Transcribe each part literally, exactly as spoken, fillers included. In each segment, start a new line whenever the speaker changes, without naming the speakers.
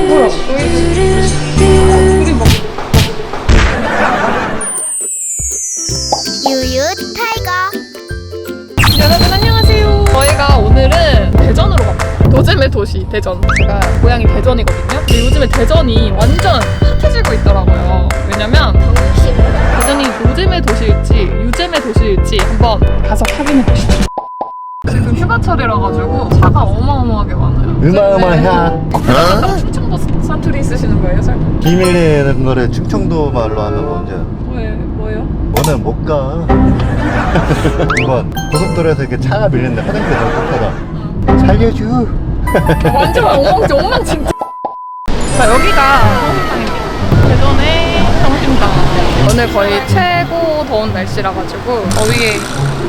뭐야? 우리 뭐?
유유 타이거.
여러분 안녕하세요. 저희가 오늘은 대전으로 갑니다. 노잼의 도시 대전. 제가 고향이 대전이거든요. 근데 요즘에 대전이 완전 핫해지고 있더라고요. 왜냐면 대전이 노잼의 도시일지 유잼의 도시일지 한번 가서 확인해 보시죠. 지금 휴가철이라 가지고 차가 어마어마하게 많아요.
으마으마야.
충청도 사투리 쓰시는 거예요, 설마?
비밀이라는 거를 충청도 말로 하면 뭔지 알아?
왜 뭐예요?
오늘 못 가. 이건 고속도로에서 이렇게 차가 밀리는데 화장실이 너무 급하다. 살려줘.
완전 엉망진 엉망진짜. 자, 여기가 성심당입니다. 대전의 성심당. 오늘 거의 최고 더운 날씨라 가지고 더위에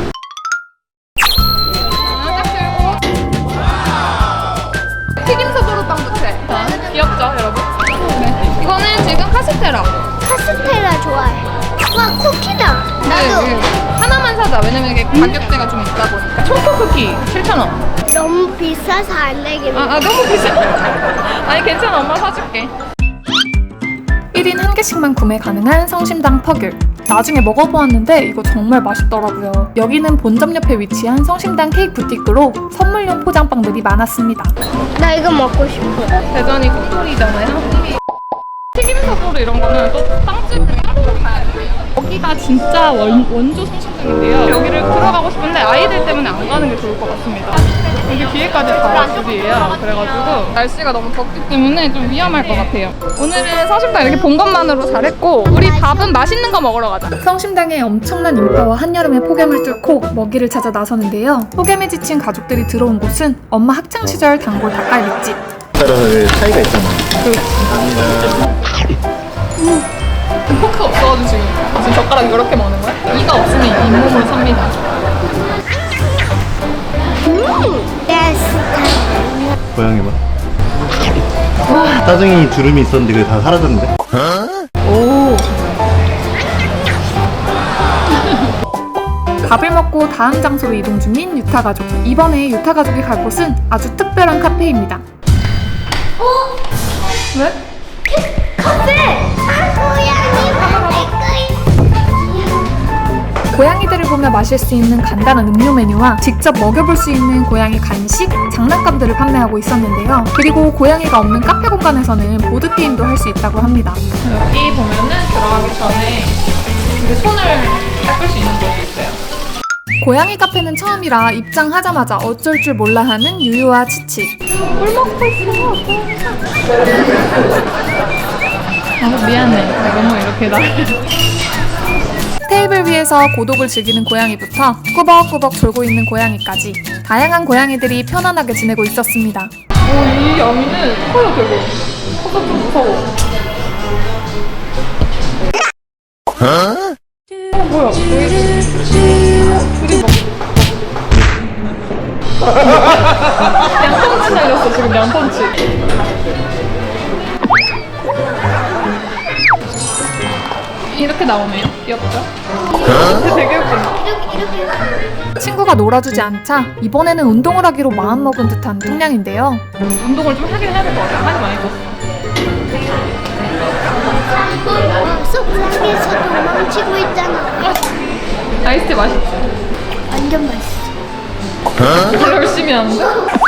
튀김소보로 빵부채. 귀엽죠, 여러분? 네. 이거는 지금 카스테라.
카스테라 좋아해. 와, 쿠키다. 나도.
네, 네. 하나만 사자. 왜냐면 이게 가격대가 좀 있다 보니까. 초코 쿠키 칠천 원.
너무 비싸서 안 되겠네.
아, 아 너무 비싸. 아니 괜찮아, 엄마 사줄게. 일 인 한 개씩만 구매 가능한 성심당 퍼귤. 나중에 먹어보았는데 이거 정말 맛있더라고요. 여기는 본점 옆에 위치한 성심당 케이크 부티크로 선물용 포장빵들이 많았습니다.
나 이거 먹고 싶어.
대전이 꿀꿀이잖아요. 튀김소보로 이런 거는 또 빵집을 따로 가야 돼요. 여기가 진짜 원, 원조 성심당인데요. 여기를 들어가고 싶은데 아이들 때문에 안 가는 게 좋을 것 같습니다. 여기 뒤에까지 다 집이에요. 그래가지고 날씨가 너무 덥기 때문에 좀 위험할 것 같아요. 오늘은 성심당 이렇게 본 것만으로 잘했고 우리 밥은 맛있는 거 먹으러 가자. 성심당의 엄청난 인파와 한여름의 폭염을 뚫고 먹이를 찾아 나서는데요. 폭염에 지친 가족들이 들어온 곳은 엄마 학창시절 단골 닭갈비집.
따라서 차이가 있잖아.
음. 포크가 없어가지고 지금 지금 젓가락 이렇게 먹는 거야? 이가 없으면 잇몸으로 삽니다.
음, 내 스타일.
고양이 봐. 짜증이 주름이 있었는데 그게 다 사라졌는데?
오. 밥을 먹고 다음 장소로 이동 중인 유타 가족. 이번에 유타 가족이 갈 곳은 아주 특별한 카페입니다.
어?
왜?
카페! 아, 고양이 카페.
고양이들을 보며 마실 수 있는 간단한 음료 메뉴와 직접 먹여볼 수 있는 고양이 간식, 장난감들을 판매하고 있었는데요. 그리고 고양이가 없는 카페 공간에서는 보드게임도 할 수 있다고 합니다. 여기 보면은 들어가기 전에 이렇게 손을 닦을 수 있는 곳이 있어요. 고양이 카페는 처음이라 입장하자마자 어쩔 줄 몰라 하는 유유와 치치. 물 먹고 있어. 아, 미안해. 내가 너무 이렇게 나. 테이블 위에서 고독을 즐기는 고양이부터 꾸벅꾸벅 졸고 있는 고양이까지 다양한 고양이들이 편안하게 지내고 있었습니다. 오, 이 양이는 커요, 되게. 커서 좀 무서워. 어? 어, 뭐야? 여기 둘이 막 양펀치 날렸어, 지금 양펀치. 이렇게 나오네요. 귀엽죠? 되게 웃긴다.
이렇게, 이렇게.
친구가 놀아주지 않자 이번에는 운동을 하기로 마음먹은 듯한 뚱냥인데요. 운동을 좀 하긴 해야 될 것 같아요. 많이 많이 떴어.
어, 속상해서 도망치고 있잖아.
아이스티 맛있지?
완전 맛있어.
뭘 열심히 하는데?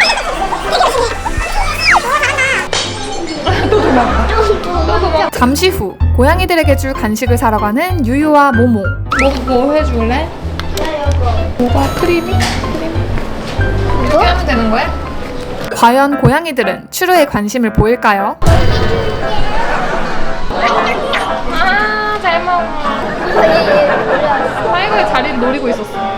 또 도망가. 또 도망가. 잠시 후 고양이들에게 줄 간식을 사러 가는 유유와 모모. 뭐, 뭐 해줄래? 뭐가 크리미? 크리미? 이렇게 하면 되는 거야? 과연 고양이들은 추루에 관심을 보일까요? 아, 잘 먹어. 사이가의 자리를 노리고 있었어.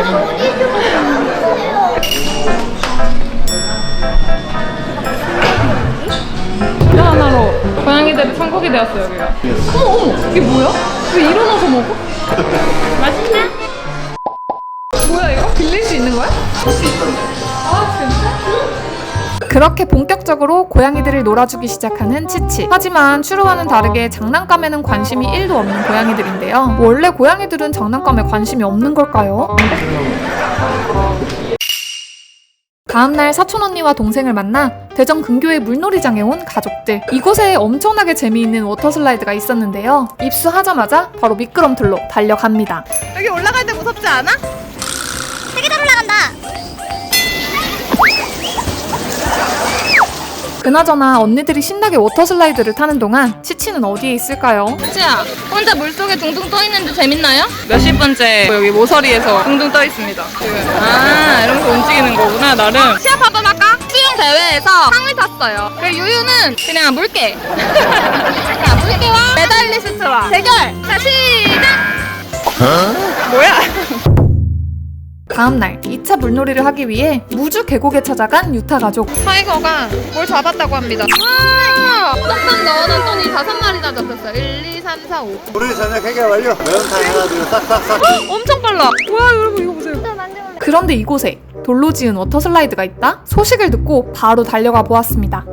주류 하나로 고양이들이 천국이 되었어, 여기가. 어머, 어머, 이게 뭐야? 왜 일어나서 먹어? 맛있나? 뭐야, 이거? 빌릴 수 있는 거야? 아, 진짜? 그렇게 본격적으로 고양이들을 놀아주기 시작하는 치치. 하지만 추루와는 다르게 장난감에는 관심이 일도 없는 고양이들인데요. 원래 고양이들은 장난감에 관심이 없는 걸까요?
다음날 사촌 언니와 동생을 만나 대전 근교의 물놀이장에 온 가족들. 이곳에 엄청나게 재미있는 워터슬라이드가 있었는데요. 입수하자마자 바로 미끄럼틀로 달려갑니다.
여기 올라갈 때 무섭지 않아?
되게 잘 올라간다.
그나저나 언니들이 신나게 워터슬라이드를 타는 동안 치치는 어디에 있을까요?
치치야, 혼자 물속에 둥둥 떠 있는데 재밌나요? 몇십 번째 여기 모서리에서 둥둥 떠 있습니다. 지금. 아, 이러면서 움직이는 거구나, 나름. 시합 한번 할까? 수영 대회에서 상을 탔어요. 그리고 유유는 그냥 물개. 자, 물개와 메달리스트와 대결. 자, 시작. 뭐야?
다음날 이 차 물놀이를 하기 위해 무주 계곡에 찾아간 유타 가족.
타이거가 뭘 잡았다고 합니다. 와! 쏙쏙 넣어놨더니 다섯 마리나 잡혔어요. 일, 이, 삼, 사, 오.
우리 저녁 해결 완료. 매운탕 하나 둘 싹싹싹.
엄청 빨라. 와, 여러분 이거 보세요.
그런데 이곳에 돌로 지은 워터슬라이드가 있다? 소식을 듣고 바로 달려가 보았습니다.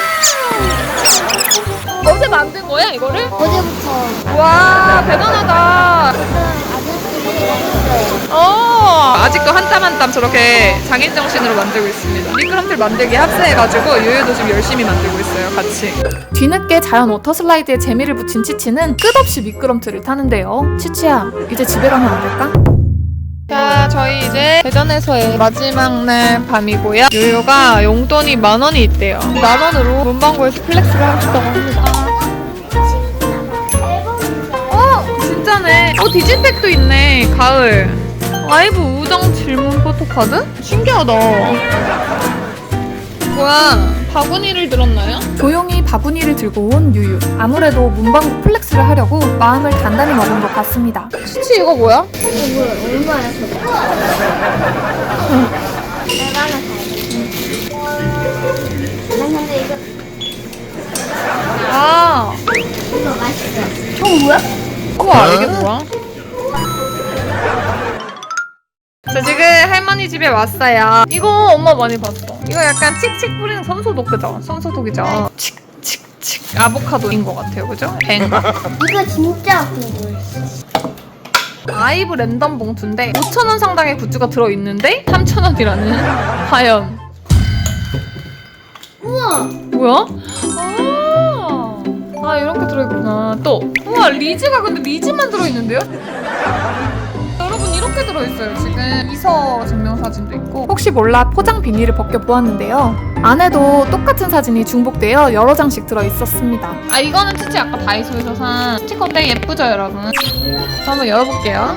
어제 만든 거야, 이거를?
어제부터
와, 대단하다.
아저씨들이 했어요.
어, 아직도 한 땀 한 땀 저렇게 장인 정신으로 만들고 있습니다. 미끄럼틀 만들기 합세해가지고 유유도 지금 열심히 만들고 있어요, 같이.
뒤늦게 자연 워터슬라이드에 재미를 붙인 치치는 끝없이 미끄럼틀을 타는데요. 치치야, 이제 집에 가면 안 될까?
자, 저희 이제 대전에서의 마지막 날 밤이고요. 유유가 용돈이 만 원이 있대요. 만 원으로 문방구에서 플렉스를 하고 싶다고 합니다. 어, 진짜네. 어, 디지팩도 있네. 가을. 아이브 우정 질문 포토카드? 신기하다. 뭐야, 바구니를 들었나요?
조용히 바구니를 들고 온 유유. 아무래도 문방구 플렉스를 하려고 마음을 단단히 먹은 것 같습니다.
치치 이거 뭐야?
이거 뭐야? 얼마야 저거? 내가 하나 사야지. 난 근데 이거
아,
이거 맛있어. 저거 뭐야?
우와, 이게 뭐야? 자, 지금 할머니 집에 왔어요. 이거 엄마 많이 봤어. 이거 약간 칙칙 뿌리는 손소독, 그죠? 손소독이죠. 칙칙칙 아보카도인 것 같아요, 그죠? 뱅가.
이거 진짜 궁금했어.
아이브 랜덤 봉투인데 오천 원 상당의 굿즈가 들어있는데 삼천 원이라는 과연
우와.
뭐야? 아, 아 이렇게 들어있구나. 또 우와, 리즈가 근데 리즈만 들어있는데요? 여러분 이렇게 들어있어요. 지금 이서 증명사진도 있고.
혹시 몰라 포장 비닐을 벗겨보았는데요. 안에도 똑같은 사진이 중복되어 여러 장씩 들어있었습니다.
아, 이거는 치치 아까 다이소에서 산 스티커인데 예쁘죠 여러분? 저 한번 열어볼게요.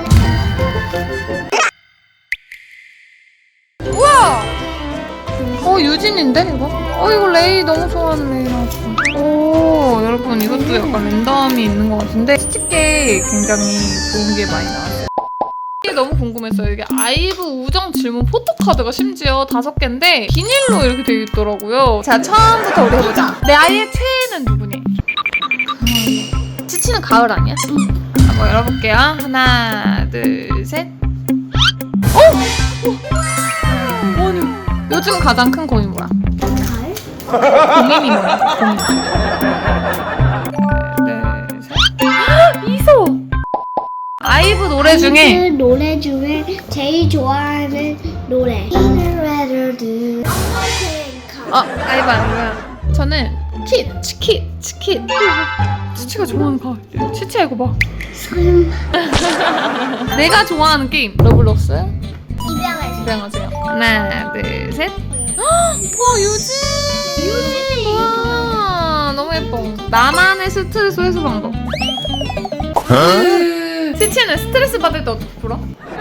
우와! 어, 유진인데 이거? 어, 이거 레이 너무 좋아하는 레이 나왔어. 오, 여러분 이것도 약간 랜덤이 있는 것 같은데 스티커에 굉장히 좋은 게 많이 나왔어요. 이게 너무 궁금했어요. 이게 아이브 우정 질문 포토카드가 심지어 다섯 개인데 비닐로 이렇게 되어 있더라고요. 자, 처음부터 우리 해보자. 내 아이의 최애는 누구니? 치치는 가을 아니야? 한번 열어볼게요. 하나, 둘, 셋. 어? 어? 아니, 요즘 가장 큰 고민 뭐야?
가을?
고민이 뭐야? 고민. 하나, 둘, 셋. 이소! 아이브 노래 중에
그 노래 중에 제일 좋아하는 노래. 이노래를
어, 아이브 아니고요. 저는 킷, 치킷, 치킷. 치치가 좋아하는 가을. 치치야 이거 봐.
설마.
내가 좋아하는 게임 러블록스.
입양을.
입양하세요. 하나, 둘, 셋. 헉, 와, 유진. 유진. 와, 너무 예뻐. 나만의 스트레스 해소 방법. 치치는 스트레스 받을 때 어떻게 풀어?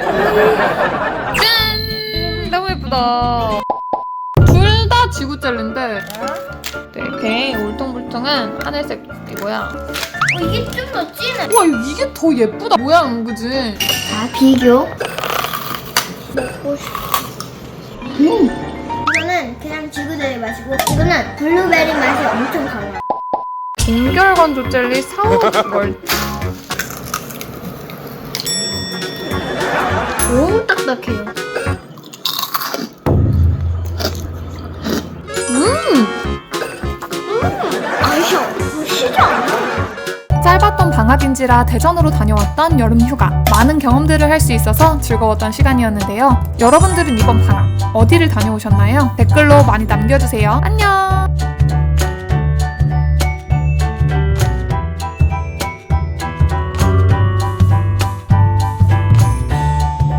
짠! 너무 예쁘다. 둘 다 지구 젤리인데 이렇게 울퉁불퉁한 하늘색이고요.
어, 이게 좀 더 진해.
와, 이게 더 예쁘다. 모양, 그지?
자, 비교. 먹고 싶어. 음. 이거는 그냥 지구대리 맛이고, 이거는 블루베리 맛이 엄청 강해요.
동결건조 젤리 사오월.
너무 딱딱해요.
음!
아이셔, 어, 시지 않아?
짧았던 방학인지라 대전으로 다녀왔던 여름휴가. 많은 경험들을 할 수 있어서 즐거웠던 시간이었는데요. 여러분들은 이번 방학 어디를 다녀오셨나요? 댓글로 많이 남겨주세요. 안녕!